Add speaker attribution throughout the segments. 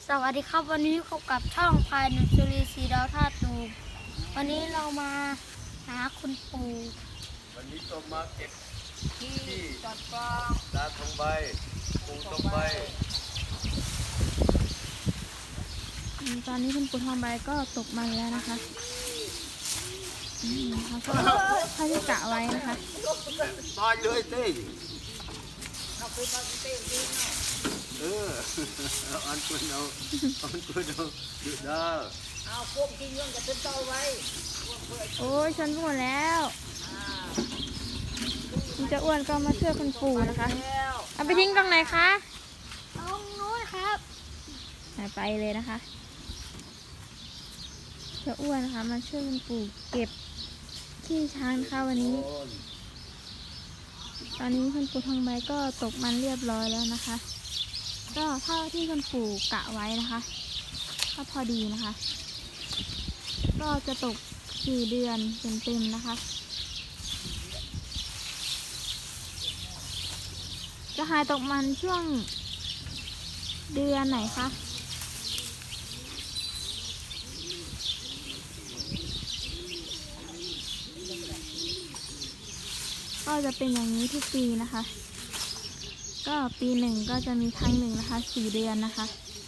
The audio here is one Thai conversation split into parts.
Speaker 1: สวัสดีครับวันนี้พบกับช่องพายหนุจุลีสีดาวท่าตูมวันนี้เรามาหาคุณปู่
Speaker 2: วันนี้ต้องมาเก็บที่
Speaker 1: จัดปลา
Speaker 2: ตาทองใบปูทองใบ
Speaker 3: ตอนนี้คุณปู่ทองใบก็ตกมันแล้วนะคะเขาก็เขาที่กะไว้นะคะ
Speaker 2: ตายเลยเต้อันคนเอาดูดา
Speaker 1: เอาพวกกินเรื่องจะเป็นเต้าไว้
Speaker 3: โอ้ยฉันหมดแล้วมันจะอ้วนก็มาช่วยคุณปู่นะคะเอาไปทิ้งตรงไหนคะ
Speaker 1: ตรงนู้นครับ
Speaker 3: ไปเลยนะคะจะอ้วนนะคะมาช่วยคุณปู่เก็บขี้ช้างนะคะวันนี้ตอนนี้คุณปู่ทองใบก็ตกมันเรียบร้อยแล้วนะคะก็เท่าที่คุณปู่กะไว้นะคะก็พอดีนะคะก็จะตก4 เดือนเต็มๆนะคะจะหายตกมันช่วงเดือนไหนคะก็จะเป็นอย่างนี้ทุกปีนะคะก็ปีหนึ่งก็จะมีครั้งหนึ่งนะคะ4 เดือนนะคะ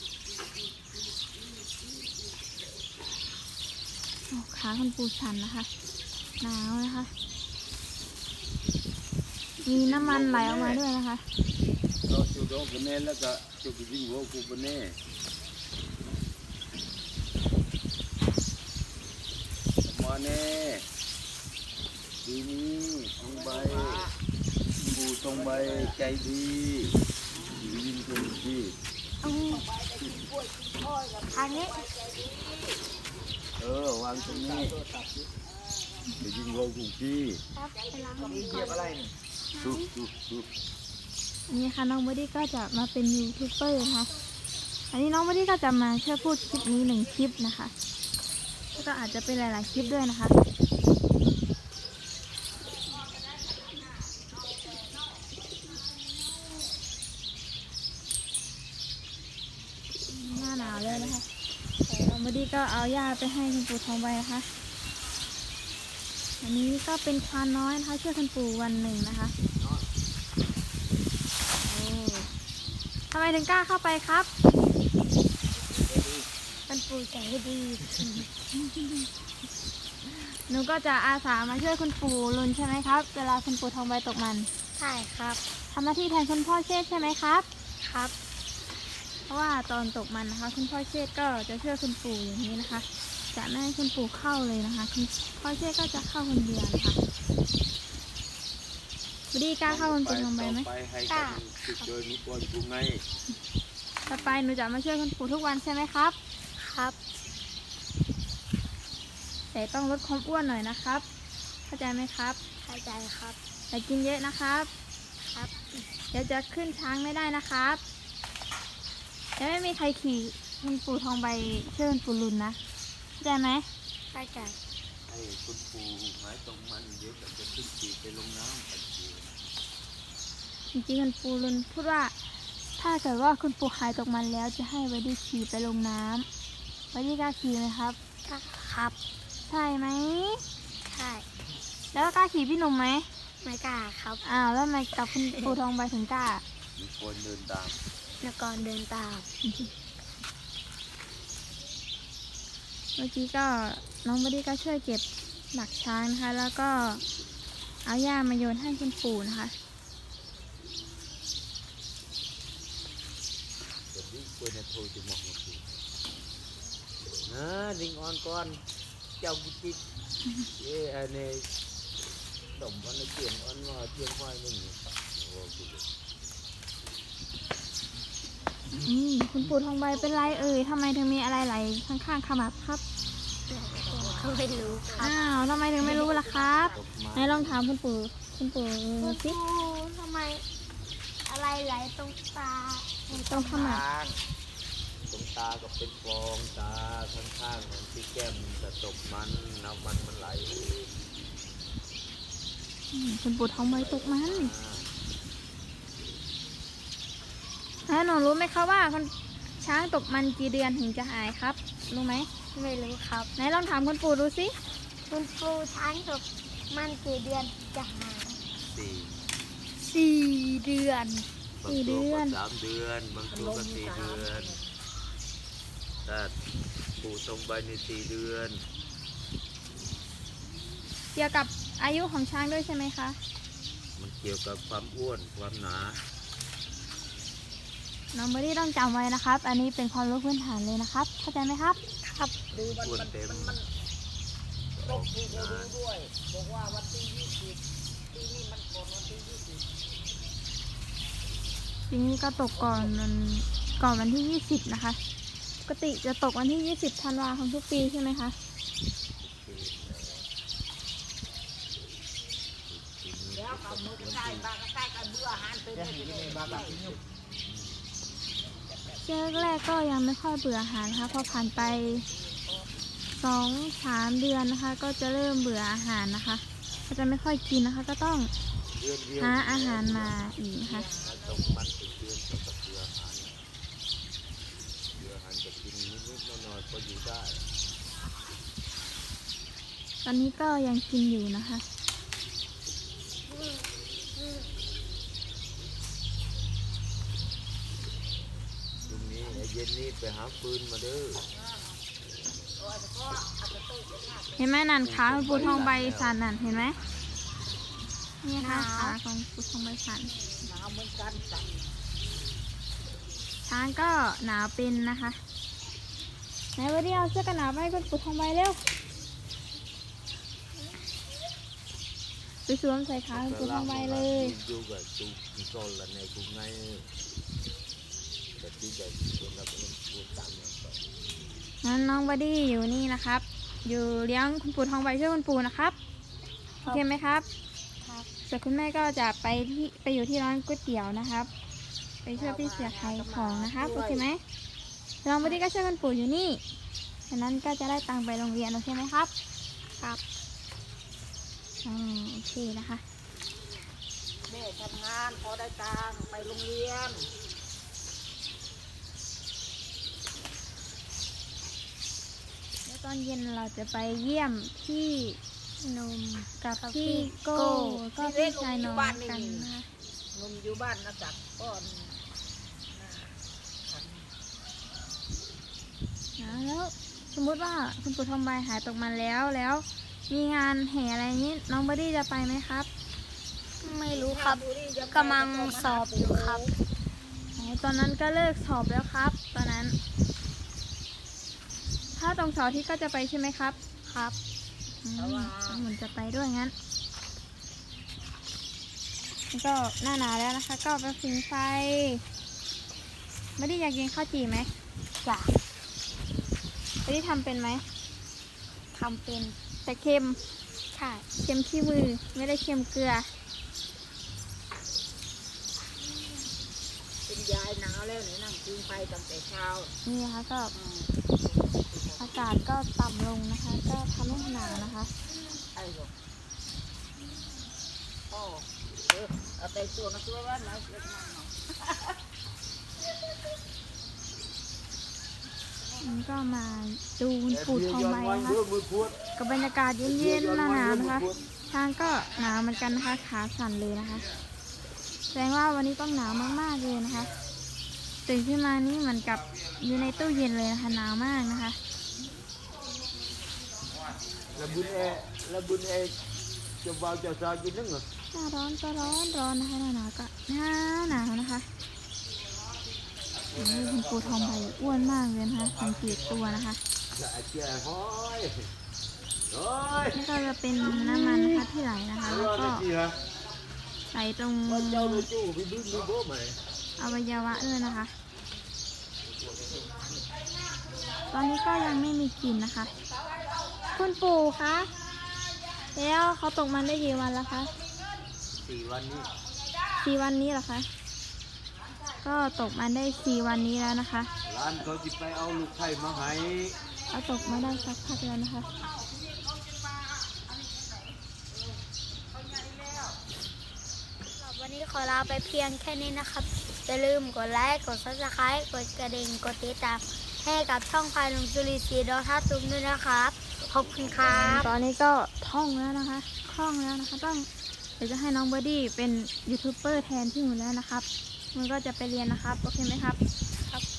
Speaker 3: ขาคุณปูชันนะคะหนาวนะคะมีน้ำมันไหลออกมาด้วยนะคะ
Speaker 2: เราจุดดอกบนเน่แล้วก็จุดยิงหัวกูบนเน่มาเน่ปีนี้ทองใบปูทองใบใจดียิงคนดี
Speaker 1: ทางนี้
Speaker 2: วางตรงนี้ไปยิงหัวกูพี่
Speaker 1: ครับไปล้างมือ
Speaker 2: เหยียบอะไรนี่ดู
Speaker 3: นี่ค่ะน้องบอดี้ก็จะมาเป็นยูทูบเบอร์นะคะอันนี้น้องบอดี้ก็จะมาช่วยพูดคลิปนี้1 คลิปนะคะแล้วก็อาจจะเป็นหลายๆคลิปด้วยนะคะหน้าหนาวเลยนะคะน้องบอดี้ก็เอาหญ้าไปให้คุณปู่ทองใบนะคะอันนี้ก็เป็นควานน้อยนะคะช่วยคุณปู่วันหนึ่งนะคะทำไมถึงกล้าเข้าไปครับ
Speaker 1: มันปู่ใจดี
Speaker 3: หนูก็จะอาสามาช่วยคุณปู่ลุนใช่ไหมครับเวลาคุณปู่ทองใบตกมัน
Speaker 1: ใช่ครับ
Speaker 3: ทำหน้าที่แทนคุณพ่อเชษใช่ไหมครับ
Speaker 1: ครับ
Speaker 3: เพราะว่าตอนตกมันนะคะคุณพ่อเชษก็จะช่วยคุณปู่อย่างนี้นะคะจะไม่ให้คุณปู่เข้าเลยนะคะคุณพ่อเชษก็จะเข้าคนเดียวนะคะบดีกล้าเข้าคุณปู่ทองใบไหม
Speaker 2: กล้าติดโดยมีคนกูไง
Speaker 3: ต่อไปหนูจะมาช่วยคุณปู่ทุกวันใช่ไหมครับ
Speaker 1: ครับ
Speaker 3: แต่ต้องลดความอ้วนหน่อยนะครับเข้าใจไหมครับ
Speaker 1: เข้าใจครับ
Speaker 3: แต่กินเยอะนะครับ
Speaker 1: ครับ
Speaker 3: เดี๋ยวจะขึ้นช้างไม่ได้นะครับจะไม่มีใครขี่คุณปู่ทองใบเชิญปู่ลุนนะเข้าใจไหม
Speaker 1: เข้าใจ
Speaker 2: ให้คุณปู่หายตรงมันเดี๋ยวจะขึ้นขี่ไปลงน้ำไป
Speaker 3: จริงๆคุณปู่ลุนพูดว่าถ้าเกิดว่าคุณปู่หายตกมันแล้วจะให้ไว้ดีขี่ไปลงน้ำไว้ดีกล้าขี่ไหมครับ
Speaker 1: ครับ
Speaker 3: ใช่ไหม
Speaker 1: ใช่
Speaker 3: แล้วกล้าขี่พี่หนุ่มไหม
Speaker 1: ไม่กล้าครับ
Speaker 3: แล้วทำไมกับคุณปู่ทองใบถึงกล้า
Speaker 2: มีคนเดินตาม
Speaker 1: นักกรเดินตาม
Speaker 3: เมื่อกี้ก็น้องบอดี้ก็ช่วยเก็บหลักช้างนะคะแล้วก็เอาหญ้ามาโยนให้คุณปู่นะคะ
Speaker 2: ลิงออนก่อนเจ้ากุฏิอันนี้ดมวันละเจียงอันว่าเจียงควายมึง
Speaker 3: คุณปู่ทองใบเป็นไรทำไมถึงมีอะไรไหลข้างๆขมับครับ
Speaker 1: เขาไม่รู้ครับ
Speaker 3: ทำไมถึงไม่รู้ล่ะครับไหนลองถามคุณปู่สิ
Speaker 1: ทำไมอะไรไหลตรงตา
Speaker 3: ตรงขมับ
Speaker 2: ตรงตาก็เป็นฟองตาข้างๆมันที่แก้มจะตกมันน้ำมันไหล
Speaker 3: คุณปู่ทองใบตกมันแล้วหนูรู้ไหมคะว่าชช้างตกมันกี่เดือนถึงจะหายครับรู้ไหม
Speaker 1: ไม่รู้ครับ
Speaker 3: ไหนลองถามคุณปู่ดูสิ
Speaker 1: คุณปูช้างตกมันกี่เดือนจะหาย
Speaker 2: สี่
Speaker 1: 4 เดือน
Speaker 2: บางตัวก็3 เดือนบางตัวก็4 เดือนถ้าปูตรงใบใน4 เดือน
Speaker 3: เกี่ยวกับอายุของช้างด้วยใช่ไหมคะ
Speaker 2: มันเกี่ยวกับความอ้วนความหนา
Speaker 3: น้องเบอร์ดี้ต้องจำไว้นะครับ อันนี้เป็นความรู้พื้นฐานเลยนะครับ เข้าใจไหมครับ
Speaker 1: ครับ
Speaker 2: อ้วนเต็มออกงาน
Speaker 3: ปีนี้ก็ตกก่อนวันที่ 20 นะคะ ปกติจะตกวันที่ 20 ธันวาคมทุกปีใช่ไหมคะ ช่วงแรกๆก็ยังไม่ค่อยเบื่ออาหารนะคะพอผ่านไป 2-3 เดือนนะคะ ก็จะเริ่มเบื่ออาหารนะคะ ก็จะไม่ค่อยกินนะคะ ก็ต้อง
Speaker 2: เดือนเดียว
Speaker 3: หาอาหารมาอีกนะคะ
Speaker 2: ตกมันเป็นเดือนก็ต้องเบื่ออาหารเบื่ออาหารจะกินนิดๆหน่อยๆก็อยู่ได้
Speaker 3: ตอนนี้ก็ยังกินอยู่นะคะ
Speaker 2: พรุ่งนี้เย็นนี้ไปหาฟืนมาเด้อ
Speaker 3: เห็นไหมนั่นขาของปูทองใบสันนั่นเห็นไหมนี่ค่ะขาของปูทองใบสันช้างก็หนาวเป็นนะคะไหนวันนี้เอาเสื้อกันหนาวมาให้คุณปูทองใบเร็วไปสวมใส่ขาคุณปูทองใบเลย
Speaker 2: อยู่กับตูกิโซลในกรุงไงแต่ที่จะคนเราเป็นผู้ตามเนี่ยก็
Speaker 3: งั้นน้องบอดี้อยู่นี่นะครับ อยู่เลี้ยงคุณปู่ทองใบช่วยคุณปู่นะครับโอเคไหมครับ
Speaker 1: ครับ
Speaker 3: ส่วนคุณแม่ก็จะไปอยู่ที่ร้านก๋วยเตี๋ยวนะครับ ไปช่วยพี่เสือขายของนะครับโอเคไหมน้องบอดี้ก็ช่วยคุณปู่อยู่นี่ฉะนั้นก็จะได้ตังค์ไปโรงเรียนโอเคไหมครับ
Speaker 1: ครับ
Speaker 3: โอเคนะคะ
Speaker 4: แม่ทำงานพอได้ตังค์ไปโรงเรียน
Speaker 3: แล้วตอนเย็นเราจะไปเยี่ยมพี่นมกับพี่โก้ก็พี่ชายน้องกันนะคะ
Speaker 4: นมอยู่บ้านนะจักก้อน
Speaker 3: แล้วสมมุติว่าคุณปู่ทองใบหายตกมันแล้วมีงานแห่อะไรนี้น้องบอดี้จะไปไหมครับ
Speaker 1: ไม่รู้ครับกำลังสอบอยู่ครับ
Speaker 3: ตอนนั้นก็เลิกสอบแล้วครับ ตอนนั้น ถ้าตรงเสาร์อาที่ก็จะไปใช่ไหมครับ
Speaker 1: ครับ
Speaker 3: เหมือนจะไปด้วยงั้นแล้วก็หน้าหนาวแล้วนะคะ ก็ไปผิงไฟบอดี้อยากกินข้าวจี่ไหม
Speaker 1: จ้ะ
Speaker 3: บอดี้ทำเป็นไหม
Speaker 1: ทำเป็น
Speaker 3: แต่เค็ม
Speaker 1: ใช่
Speaker 3: เค็มขี้มือไม่ได้เค็มเกลือ
Speaker 4: เป็นยายหนาวแล้วเนี่ยนั่งกินไฟตั้งแต่เช้า
Speaker 3: นี่นะคะก็อากาศก็ต่ำลงนะคะ ก็ทำให้หนาวนะคะ
Speaker 4: ไอ้บอกพ่อเอาไปตัวมาตัวว่าหนาวเล็กน้อยเนาะ
Speaker 3: มันก็มาดูคุณปู่ทองใบนะคะ
Speaker 2: มือพวด
Speaker 3: กับบรรยากาศเย็นๆหนาวๆนะคะ ช้างก็หนาวเหมือนกันนะคะขาสั่นเลยนะคะแสดงว่าวันนี้ต้องหนาวมากๆเลยนะคะตื่นขึ้นมานี่เหมือนกับอยู่ในตู้เย็นเลยนะคะหนาวมากนะคะ
Speaker 2: แล้วบุญเอจะเบาจะซากินนึงเหรอ
Speaker 3: หน้าร้อนก็ร้อนนะคะหน้าหนาวก็หนาวนะคะนี่คุณปู่ทองใบอ้วนมากเลยนะคะสังเกตตัวนะคะ
Speaker 2: แก่ห้อยโอ้ย
Speaker 3: นี่ก็จะเป็นน้ำมันนะคะที่ไหลนะคะ แล้วก็
Speaker 2: ฮะ
Speaker 3: ไหลตรง
Speaker 2: ว่าเจ้าเลยจู่ไปดึงมือโบ้ไหม
Speaker 3: อวัยวะด้วยนะคะ ตอนนี้ก็ยังไม่มีกลิ่นนะคะ คุณปู่คะแล้วเขาตกมันได้กี่วันแล้วคะ
Speaker 2: 4 วันนี้
Speaker 3: 4 วันนี้เหรอคะ ก็ตกมันได้4 วันนี้แล้วนะคะ
Speaker 2: ร้านเขาจะไปเอาลูกไข่มาให้
Speaker 3: เอาตกมาได้สักพักแล้วนะคะ
Speaker 1: วันนี้ขอลาไปเพียงแค่นี้นะครับ สอย่าลืมกดไลค์กด Subscribe กดกระดิ่งกดติดตามให้กับช่องพายหนุ่มสุริศรีดาวท่าตูมด้วยนะครับขอบคุณครับ
Speaker 3: ตอนนี้ก็ท่องแล้วนะคะคล่องแล้วนะคะเดี๋ยวจะให้น้องเบอร์ดี้เป็นยูทูบเบอร์แทนพี่หมูแล้วนะครับมันก็จะไปเรียนนะครับโอเคไหมครับ
Speaker 1: ครับ